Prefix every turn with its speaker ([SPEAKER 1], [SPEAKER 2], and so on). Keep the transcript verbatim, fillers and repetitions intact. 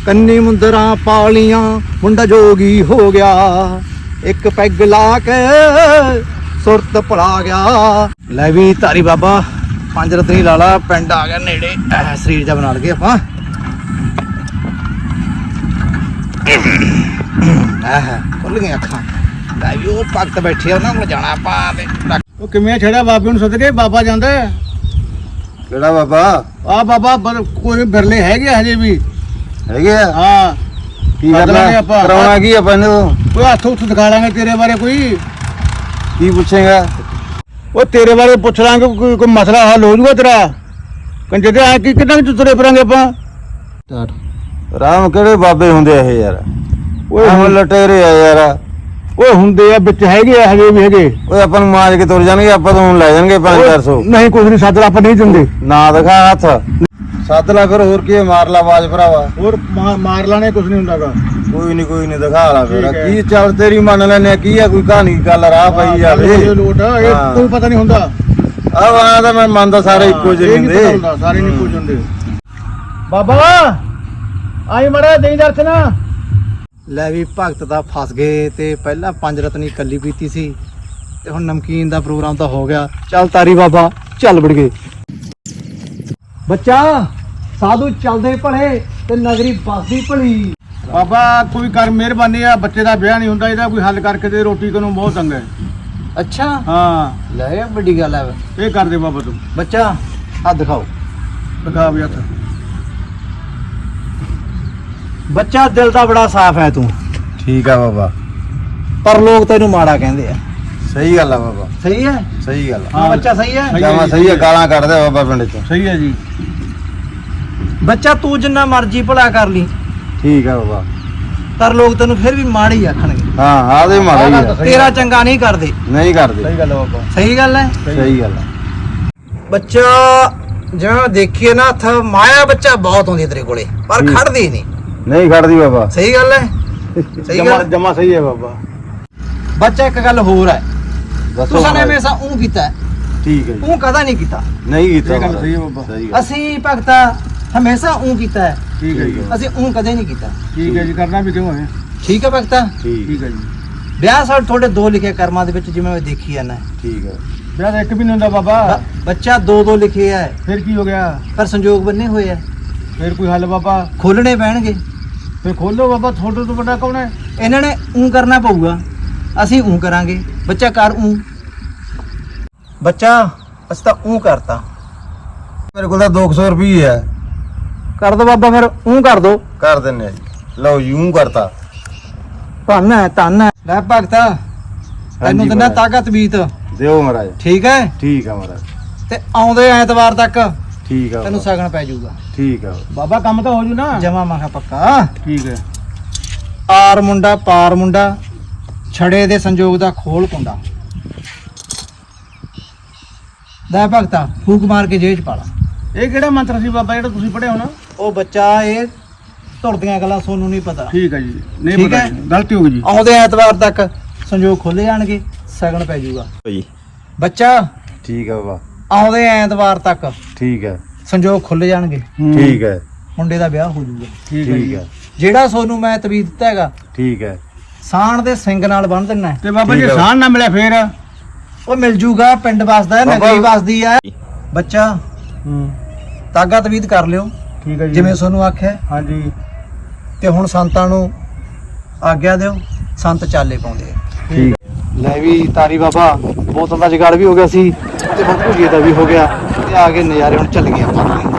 [SPEAKER 1] ਕੰਨੀ ਮੁੰਦਰਾਂ ਪਾਲੀਆਂ ਮੁੰਡਾ ਜੋਗੀ ਹੋ ਗਿਆ, ਇੱਕ ਪੈਗ ਲਾ ਕੇ ਸੁਰਤ ਭੁਲਾ ਗਿਆ। ਲੈ ਵੀ ਧਾਰੀ ਬਾਬਾ ਪੰਜ ਰਤਨੀ ਲਾਲਾ ਪਿੰਡ ਆ ਗਿਆ ਨੇੜੇ, ਸਰੀਰ ਜਾ ਬਣਾ ਲਗੇ ਆਪਾਂ। ਆਹ ਖੁੱਲ ਗਈਆਂ ਅੱਖਾਂ। ਲੈ ਵੀ ਉਹ ਭਗਤ ਬੈਠੇ ਉਹਨਾਂ ਕੋਲ ਜਾਣਾ ਆਪਾਂ ਤੇ
[SPEAKER 2] ਉਹ ਕਿਵੇਂ ਛੜਿਆ ਬਾਬੇ ਨੂੰ ਸੱਦ ਕੇ? ਬਾਬਾ ਜਾਂਦਾ
[SPEAKER 3] ਕਿਹੜਾ ਬਾਬਾ?
[SPEAKER 2] ਆ ਬਾਬਾ ਕੋਈ ਬਿਰਲੇ ਹੈਗੇ ਹਜੇ ਵੀ
[SPEAKER 3] ਹੈਗੇ ਆ?
[SPEAKER 2] ਹਾਂ
[SPEAKER 3] ਕੀ ਕਰਨਾ
[SPEAKER 2] ਆਪਾਂ?
[SPEAKER 3] ਕਰਾਉਣਾ ਕੀ ਆਪਾਂ ਇਹਨੂੰ?
[SPEAKER 2] ਕੋਈ ਹੱਥ ਉੱਥ ਦਿਖਾ ਲਾਂਗੇ ਤੇਰੇ ਬਾਰੇ, ਕੋਈ
[SPEAKER 3] ਕੀ ਪੁੱਛੇਗਾ?
[SPEAKER 2] ਉਹ ਤੇਰੇ ਬਾਰੇ ਪੁੱਛ ਲਾਂਗੇ, ਕੋਈ ਕੋਈ ਮਸਲਾ ਹੱਲ ਹੋ ਜੂਗਾ ਤੇਰਾ। ਕੰਜੇ ਤੇ ਆ ਕੀ ਕਿੰਨਾ ਕੁ ਤੁਰੇ ਫਿਰਾਂਗੇ ਆਪਾਂ?
[SPEAKER 3] ਰਾਮ ਕਿਹੜੇ ਬਾਬੇ ਹੁੰਦੇ ਆ ਇਹ ਯਾਰ?
[SPEAKER 2] ਓਏ
[SPEAKER 3] ਉਹ ਲਟੇਰੇ ਆ ਯਾਰ।
[SPEAKER 2] ਓਏ ਹੁੰਦੇ ਆ ਵਿੱਚ, ਹੈਗੇ ਆ ਹਜੇ ਵੀ ਹੈਗੇ।
[SPEAKER 3] ਓਏ ਆਪਾਂ ਨੂੰ ਮਾਰ ਕੇ ਤੁਰ ਜਾਣਗੇ, ਆਪਾਂ ਤੋਂ ਹੁਣ ਲੈ ਜਾਣਗੇ ਪੰਜ ਚਾਰ ਸੌ।
[SPEAKER 2] ਨਹੀਂ ਕੁਝ ਨਹੀਂ ਸੱਦ, ਆਪਾਂ ਨਹੀਂ ਦਿੰਦੇ।
[SPEAKER 3] ਨਾ ਦਿਖਾ ਹੱਥ, ਸੱਦ ਲਾ ਫਿਰ, ਹੋਰ ਕੀ ਮਾਰ ਲਾ ਆਵਾਜ਼ ਭਰਾਵਾ।
[SPEAKER 2] ਹੋਰ ਮਾਰ ਲਾਣੇ ਕੁਝ ਨਹੀਂ ਹੁੰਦਾਗਾ।
[SPEAKER 3] ਕੋਈ ਨਹੀਂ ਕੋਈ ਨਹੀਂ ਦਿਖਾ ਲਾ ਫਿਰ।
[SPEAKER 2] ਠੀਕ ਹੈ।
[SPEAKER 3] ਕੀ ਚੱਲ ਤੇਰੀ ਮੰਨ ਲੈਨੇ ਆ, ਕੀ ਆ ਕੋਈ ਕਹਾਣੀ ਗੱਲ ਰਾਹ ਪਈ ਜਾਵੇ।
[SPEAKER 2] ਲੋਟ ਇਹ
[SPEAKER 3] ਹਾਂ।
[SPEAKER 2] ਕੋਈ ਪਤਾ ਨਹੀਂ ਹੁੰਦਾ।
[SPEAKER 3] ਆਹ ਵਾਂ ਤਾਂ ਮੈਂ ਮੰਨਦਾ ਸਾਰੇ ਇੱਕੋ ਜਿਹੇ
[SPEAKER 2] ਇਹ ਨਹੀਂ ਪਤਾ
[SPEAKER 3] ਹੁੰਦੇ।
[SPEAKER 2] ਹੁੰਦਾ, ਸਾਰੇ ਨਹੀਂ ਕੁਝ ਹੁੰਦੇ। ਬਾਬਾ ਆਈ ਮੜਾ ਦੇਈ ਦਰਸ਼ਨ।
[SPEAKER 1] ਲੈ ਵੀ ਭਗਤ ਦਾ ਫਸ ਗਏ ਤੇ ਪਹਿਲਾਂ ਪੰਜ ਰਤਨੀ ਕੱਲੀ ਪੀਤੀ ਸੀ ਤੇ ਹੁਣ ਨਮਕੀਨ ਦਾ ਪ੍ਰੋਗਰਾਮ ਤਾਂ ਹੋ ਗਿਆ। ਚੱਲ ਤਾਰੀ ਬਾਬਾ ਚੱਲ ਵੜ ਗਏ। ਬੱਚਾ ਸਾਧੂ ਚੱਲਦੇ ਭਲੇ ਤੇ ਨਗਰੀ ਬਸਦੀ ਭਲੀ।
[SPEAKER 2] ਬਾਬਾ ਕੋਈ ਕਰ ਮਿਹਰਬਾਨੀ ਆ, ਬੱਚੇ ਦਾ ਵਿਆਹ ਨਹੀਂ ਹੁੰਦਾ, ਇਹਦਾ ਕੋਈ ਹੱਲ ਕਰਕੇ ਦੇ। ਰੋਟੀ ਕੋਲੋਂ ਬਹੁਤ ਤੰਗ ਹੈ।
[SPEAKER 1] ਅੱਛਾ
[SPEAKER 2] ਹਾਂ
[SPEAKER 1] ਲੈ ਇਹ ਵੱਡੀ ਗੱਲ ਹੈ।
[SPEAKER 2] ਇਹ ਕਰ ਦੇ ਬਾਬਾ ਤੂੰ।
[SPEAKER 1] ਬੱਚਾ ਹੱਥ ਦਿਖਾਓ।
[SPEAKER 2] ਦਿਖਾ ਵੀ ਹੱਥ।
[SPEAKER 1] ਬੱਚਾ ਦਿਲ ਦਾ ਬੜਾ ਸਾਫ਼ ਹੈ ਤੂੰ,
[SPEAKER 3] ਠੀਕ ਆ ਬਾਬਾ।
[SPEAKER 1] ਪਰ ਲੋਕ ਤੈਨੂੰ ਮਾੜਾ ਕਹਿੰਦੇ ਆ।
[SPEAKER 3] ਸਹੀ ਗੱਲ ਆ ਬਾਬਾ,
[SPEAKER 1] ਸਹੀ ਹੈ?
[SPEAKER 3] ਸਹੀ ਗੱਲ ਆ।
[SPEAKER 1] ਹਾਂ ਬੱਚਾ ਸਹੀ ਹੈ।
[SPEAKER 2] ਸਹੀ
[SPEAKER 3] ਜਮਾ ਸਹੀ ਆ, ਗਾਲਾਂ ਕੱਢਦੇ ਬਾਬਾ ਪਿੰਡ ਚ।
[SPEAKER 2] ਸਹੀ ਹੈ ਜੀ।
[SPEAKER 1] ਬੱਚਾ ਤੂੰ ਜਿੰਨਾ ਮਰਜ਼ੀ ਭਲਾ ਕਰ ਲਈ,
[SPEAKER 3] ਠੀਕ ਆ ਬਾਬਾ।
[SPEAKER 1] ਪਰ ਲੋਕ ਤੈਨੂੰ ਫਿਰ ਵੀ ਮਾੜਾ ਹੀ ਆਖਣਗੇ।
[SPEAKER 3] ਹਾਂ ਆਦੇ ਮਾੜਾ ਹੀ ਆ,
[SPEAKER 1] ਤੇਰਾ ਚੰਗਾ ਨਹੀਂ ਕਰਦੇ।
[SPEAKER 3] ਨਹੀਂ ਕਰਦੇ।
[SPEAKER 2] ਸਹੀ ਗੱਲ ਆ ਬਾਬਾ।
[SPEAKER 1] ਸਹੀ ਗੱਲ ਹੈ
[SPEAKER 3] ਸਹੀ ਗੱਲ ਆ।
[SPEAKER 1] ਬੱਚਾ ਜਿਵੇਂ ਦੇਖੀਏ ਨਾ ਹੱਥ ਮਾਇਆ ਬੱਚਾ ਬਹੁਤ ਆਉਂਦੀ ਤੇਰੇ ਕੋਲੇ, ਪਰ
[SPEAKER 3] ਹੂੰ।
[SPEAKER 1] ਖੜਦੀ ਨਹੀਂ।
[SPEAKER 3] ਨਹੀਂ ਖੜਦੀ ਬਾਬਾ।
[SPEAKER 1] ਸਹੀ ਗੱਲ ਹੈ। ਸਹੀ
[SPEAKER 2] ਜਮਾ
[SPEAKER 1] ਗੱਲ।
[SPEAKER 2] ਜਮਾ ਸਹੀ ਹੈ ਬਾਬਾ।
[SPEAKER 1] ਬੱਚਾ ਇੱਕ ਗੱਲ ਹੋਰ ਹੈ,
[SPEAKER 3] ਦੱਸੋ
[SPEAKER 1] ਤੁਸੀਂ ਨੇ
[SPEAKER 3] ਮਹਾਰਾਜ।
[SPEAKER 1] ਹਮੇਸ਼ਾ ਉਹ ਕੀਤਾ ਹੈ,
[SPEAKER 3] ਠੀਕ ਹੈ ਜੀ।
[SPEAKER 1] ਉਹ ਕਦਾ ਨਹੀਂ ਕੀਤਾ।
[SPEAKER 3] ਨਹੀਂ ਕੀਤਾ
[SPEAKER 2] ਇਹ ਗੱਲ
[SPEAKER 3] ਮਹਾਰਾਜ।
[SPEAKER 2] ਸਹੀ ਹੈ ਬਾਬਾ।
[SPEAKER 3] ਸਹੀ ਗੱਲ।
[SPEAKER 1] ਅਸੀਂ ਭਗਤਾ ਹਮੇਸ਼ਾ ਉਹ ਕੀਤਾ ਹੈ,
[SPEAKER 2] ਠੀਕ ਹੈ ਜੀ।
[SPEAKER 1] ਅਸੀਂ ਉਹ ਕਦੇ ਨਹੀਂ ਕੀਤਾ।
[SPEAKER 2] ਠੀਕ ਹੈ ਜੀ, ਕਰਨਾ ਵੀ ਕਿਉਂ ਹੈ?
[SPEAKER 1] ਠੀਕ ਹੈ ਭਗਤਾ।
[SPEAKER 3] ਠੀਕ
[SPEAKER 2] ਠੀਕ ਹੈ ਜੀ।
[SPEAKER 1] ਵਿਆਹ ਸਾਡੇ ਤੁਹਾਡੇ ਦੋ ਲਿਖੇ ਕਰਮਾਂ ਦੇ ਵਿੱਚ, ਜਿਵੇਂ ਮੈਂ ਦੇਖੀ ਜਾਂਦਾ।
[SPEAKER 3] ਠੀਕ ਹੈ।
[SPEAKER 2] ਵਿਆਹ ਤਾਂ ਇੱਕ ਵੀ ਨਹੀਂ ਹੁੰਦਾ ਬਾਬਾ।
[SPEAKER 1] ਬ- ਬੱਚਾ ਦੋ ਦੋ ਲਿਖੇ ਹੈ,
[SPEAKER 2] ਫਿਰ ਕੀ ਹੋ ਗਿਆ?
[SPEAKER 1] ਪਰ ਸੰਜੋਗ ਬੰਨੇ ਹੋਏ ਹੈ,
[SPEAKER 2] ਫਿਰ ਕੋਈ ਹੱਲ ਬਾਬਾ?
[SPEAKER 1] ਖੋਲਣੇ ਪੈਣਗੇ।
[SPEAKER 2] ਫਿਰ ਖੋਲੋ ਬਾਬਾ, ਤੁਹਾਡੇ ਤੋਂ ਵੱਡਾ ਕੌਣ ਹੈ?
[SPEAKER 1] ਇਹਨਾਂ ਨੇ ਉਹ ਕਰਨਾ ਪਊਗਾ, ਅਸੀਂ ਉਹ ਕਰਾਂਗੇ। ਬੱਚਾ ਕਰ ਉਹ। ਬੱਚਾ ਅਸੀਂ ਤਾਂ ਉਹ ਕਰਤਾ।
[SPEAKER 3] ਮੇਰੇ ਕੋਲ ਤਾਂ ਦੋ ਸੌ ਰੁਪਏ ਹੈ।
[SPEAKER 1] ਕਰ ਦੋ ਬਾਬਾ, ਫਿਰ ਉਹ ਕਰ ਦੋ।
[SPEAKER 3] ਕਰ ਦਿੰਨੇ ਆ ਜੀ। ਲਓ ਯੂੰ ਕਰਤਾ।
[SPEAKER 1] ਧੰਨ ਹੈ ਧੰਨ ਹੈ। ਲੈ ਭਗਤਾ ਤੈਨੂੰ ਦਿੰਦਾ
[SPEAKER 3] ਮਹਾਰਾਜ।
[SPEAKER 1] ਤਾਕਤ ਬੀਤ।
[SPEAKER 3] ਦਿਓ ਮਹਾਰਾਜ।
[SPEAKER 1] ਠੀਕ ਹੈ
[SPEAKER 3] ਠੀਕ ਆ ਮਹਾਰਾਜ।
[SPEAKER 1] ਤੇ ਆਉਂਦੇ ਐਤਵਾਰ ਤੱਕ
[SPEAKER 3] ਠੀਕ ਆ
[SPEAKER 1] ਤੈਨੂੰ
[SPEAKER 3] ਬਾਬਾ।
[SPEAKER 1] ਸਗਨ ਪੈ ਜਾਊਗਾ।
[SPEAKER 3] ਠੀਕ ਆ।
[SPEAKER 2] ਬਾਬਾ ਕੰਮ ਤਾਂ ਹੋ ਜੂ ਨਾ?
[SPEAKER 1] ਜਮਾ ਮਾਖਾ ਪੱਕਾ।
[SPEAKER 2] ਠੀਕ ਹੈ।
[SPEAKER 1] ਪਾਰ ਮੁੰਡਾ ਪਾਰ ਮੁੰਡਾ, ਛੜੇ ਦੇ ਸੰਜੋਗ ਦਾ ਖੋਲ ਕੁੰਡਾ। ਲੈ ਭਗਤਾ ਫੂਕ ਮਾਰ ਕੇ ਜੇਬ ਚ ਪਾ ਲਾ।
[SPEAKER 2] ਇਹ ਕਿਹੜਾ ਮੰਤਰ ਸੀ ਬਾਬਾ ਜਿਹੜਾ ਤੁਸੀਂ ਪੜਿਆ ਹੋਣਾ?
[SPEAKER 1] ਉਹ ਬੱਚਾ ਇਹ ਧੁਰਦੀਆਂ ਗੱਲਾਂ ਸੋਨੂੰ ਨਹੀਂ ਪਤਾ।
[SPEAKER 2] ਠੀਕ ਹੈ ਜੀ। ਨਹੀਂ
[SPEAKER 1] ਠੀਕ
[SPEAKER 2] ਪਤਾ
[SPEAKER 1] ਹੈ।
[SPEAKER 2] ਜੀ, ਗਲਤੀ ਹੋ ਗਈ ਜੀ।
[SPEAKER 1] ਆਉਂਦੇ ਐਤਵਾਰ ਤੱਕ ਸੰਜੋਗ ਖੁੱਲ ਜਾਣਗੇ, ਸਗਨ ਪੈ ਜਾਊਗਾ।
[SPEAKER 3] ਜੀ
[SPEAKER 1] ਬੱਚਾ
[SPEAKER 3] ਠੀਕ ਆ ਬਾਬਾ।
[SPEAKER 1] ਆਉਂਦੇ ਐਤਵਾਰ ਤੱਕ
[SPEAKER 3] ਠੀਕ ਹੈ।
[SPEAKER 1] ਸੰਜੋਗ ਖੁੱਲ ਜਾਣਗੇ,
[SPEAKER 3] ਠੀਕ ਹੈ।
[SPEAKER 1] ਮੁੰਡੇ ਦਾ ਵਿਆਹ ਹੋ ਜਾਊਗਾ।
[SPEAKER 2] ਠੀਕ ਹੈ
[SPEAKER 3] ਠੀਕ
[SPEAKER 2] ਜੀ।
[SPEAKER 3] ਹੈ।
[SPEAKER 1] ਜਿਹੜਾ ਸੋਨੂੰ ਮੈਂ ਤਵੀਤ ਦਿੱਤਾ ਹੈਗਾ,
[SPEAKER 3] ਠੀਕ ਹੈ।
[SPEAKER 1] ਸਾਣ ਦੇ ਸਿੰਘ ਨਾਲ ਬੰਨ ਦੇਣਾ ਹੈ।
[SPEAKER 2] ਤੇ ਬਾਬਾ
[SPEAKER 3] ਠੀਕ
[SPEAKER 2] ਜੇ
[SPEAKER 3] ਹੈ।
[SPEAKER 2] ਸਾਨ ਨਾ ਮਿਲਿਆ ਫੇਰ?
[SPEAKER 1] ਉਹ ਮਿਲ ਜੂਗਾ, ਪਿੰਡ ਵਸਦਾ ਹੈ,
[SPEAKER 3] ਬਾਬਾ-
[SPEAKER 1] ਨਗਰੀ ਵਸਦੀ ਹੈ। ਬੱਚਾ
[SPEAKER 2] ਹੂੰ।
[SPEAKER 1] ਤਾਗਾ ਤਵੀਤ ਕਰ ਲਿਓ
[SPEAKER 2] ਠੀਕ ਹੈ ਜੀ।
[SPEAKER 1] ਜਿਵੇਂ ਤੁਹਾਨੂੰ ਆਖਿਆ।
[SPEAKER 2] ਹਾਂਜੀ।
[SPEAKER 1] ਤੇ ਹੁਣ ਸੰਤਾਂ ਨੂੰ ਆਗਿਆ ਦਿਓ, ਸੰਤ ਚਾਲੇ ਪਾਉਂਦੇ ਆ।
[SPEAKER 3] ਠੀਕ।
[SPEAKER 1] ਲੈ ਵੀ ਤਾਰੀ ਬਾਬਾ ਬੋਤਲ ਦਾ ਜਗਾੜ ਵੀ ਹੋ ਗਿਆ ਸੀ ਤੇ ਹੁਣ ਭੁਜੀਏ ਦਾ ਵੀ ਹੋ ਗਿਆ ਤੇ ਆ ਕੇ ਨਜ਼ਾਰੇ ਹੁਣ ਚੱਲ ਗਏ ਆਪਾਂ।